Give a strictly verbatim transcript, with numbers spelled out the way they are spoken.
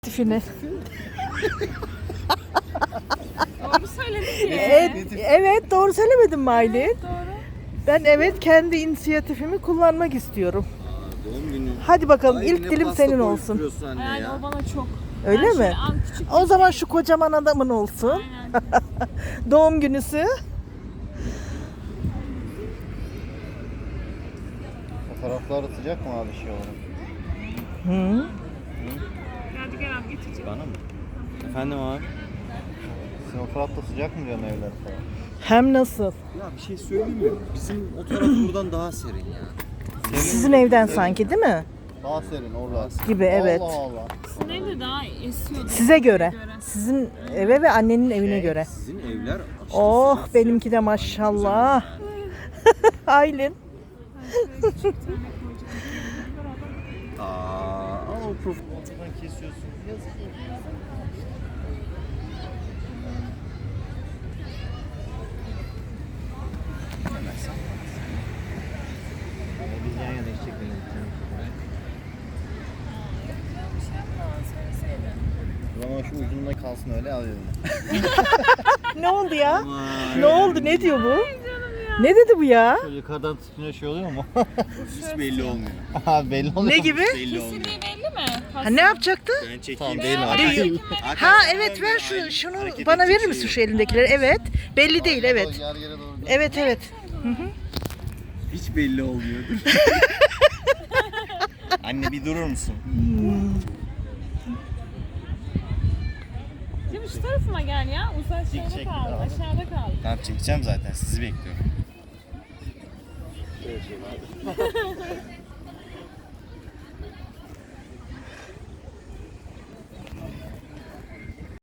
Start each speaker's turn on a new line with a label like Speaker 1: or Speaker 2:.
Speaker 1: Tifini.
Speaker 2: Doğru söyledin ki.
Speaker 1: Evet, evet doğru söylemedim mi Aylin?
Speaker 2: Evet, doğru.
Speaker 1: Ben evet kendi inisiyatifimi kullanmak istiyorum.
Speaker 3: Aa, doğum günü.
Speaker 1: Hadi bakalım
Speaker 3: Ay,
Speaker 1: ilk
Speaker 3: yine
Speaker 1: dilim
Speaker 3: pasta
Speaker 1: senin olsun.
Speaker 3: koyduruyorsun anne
Speaker 2: Yani
Speaker 3: ya.
Speaker 2: o bana çok.
Speaker 1: Öyle
Speaker 2: Ben
Speaker 1: mi?
Speaker 2: şöyle an küçük
Speaker 1: O zaman şu kocaman adamın olsun.
Speaker 2: Aynen.
Speaker 1: Doğum günüsü.
Speaker 4: Fotoğraflar sıcak mı abi şey olarak?
Speaker 1: Hı.
Speaker 2: Geldi gel abi getireceğim.
Speaker 3: Bana mı? Efendim abi?
Speaker 4: Sizin o tarafta sıcak mı diyorsun evler falan?
Speaker 1: Hem nasıl?
Speaker 3: Ya bir şey söyleyeyim mi? Bizim o taraf buradan daha serin ya.
Speaker 1: Sizin evden sanki değil mi?
Speaker 4: Daha serin orada.
Speaker 1: Gibi evet.
Speaker 4: Allah Allah.
Speaker 2: Sizin evde daha esiyordu.
Speaker 1: Size göre. Sizin eve ve annenin evine göre.
Speaker 3: Sizin evler aşırı
Speaker 1: Oh
Speaker 3: sıcak.
Speaker 1: benimki de maşallah. Aylin.
Speaker 3: Aa, o profil.
Speaker 4: Kesiyorsun. Yazık. Biz yan yana içecek O zaman şu ucunda kalsın öyle al eline.
Speaker 1: Ne oldu ya?
Speaker 3: Aman.
Speaker 1: Ne oldu? Ne diyor bu? Ne dedi bu ya?
Speaker 4: Şöyle yukarıdan tutunca şey oluyor mu?
Speaker 3: Hiç belli olmuyor.
Speaker 4: Ha belli oluyor.
Speaker 1: Ne gibi?
Speaker 3: Belli olmuyor.
Speaker 2: Kesinliği belli mi?
Speaker 1: Ha, ne yapacaktı?
Speaker 3: Ben çekeyim.
Speaker 4: Tamam,
Speaker 3: mi?
Speaker 4: değil mi?
Speaker 3: Hakikaten-
Speaker 1: Ha
Speaker 3: hakikaten
Speaker 1: evet ver
Speaker 3: öyle.
Speaker 1: şu
Speaker 3: Aynen.
Speaker 1: şunu
Speaker 3: Hareket
Speaker 1: bana
Speaker 3: edecek
Speaker 1: verir misin
Speaker 3: şey
Speaker 1: şu
Speaker 3: yok.
Speaker 1: elindekileri? Evet. Belli değil evet.
Speaker 4: Yer yere doğru.
Speaker 1: Evet evet.
Speaker 3: Hiç belli olmuyordur. Anne bir durur musun?
Speaker 2: Değil mi? Şu tarafıma gel ya. Uzak aşağıda
Speaker 4: çek
Speaker 2: kaldı.
Speaker 4: abi.
Speaker 2: Aşağıda kaldı.
Speaker 3: Tamam çekeceğim zaten sizi bekliyorum.